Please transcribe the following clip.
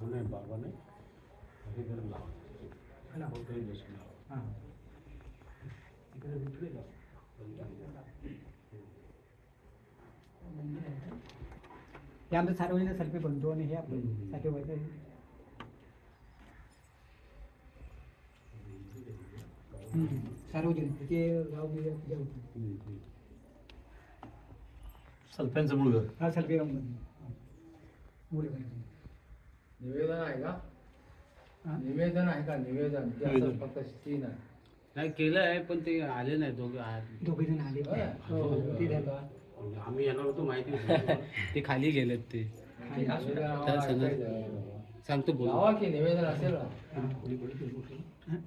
नाही बाबा नाही हे जर लावा काही बसून लावा इकडे विकले का हे आमचं सार्वजनिक सेल्फी बनतो आणि हे आपलं साठी व्हायचं सार्वजनिक ते गाव बिव होतं सल्फ्यांचं मुळगर हा सेल्फी गाव मुळे निवेदन आहे का हा? निवेदन आहे का निवेदन की असं निवेदन. फक्त सीन आहे नाही केलं आहे पण ते आले नाही दोघे जण आले ते झालं आम्ही येणार होतो माहिती होतं. ते खाली गेलेत ते निवेदन त्या आम्हाला सांगा. ऐकायचं आहे. सांगतो बोल लावा की निवेदन असेल ना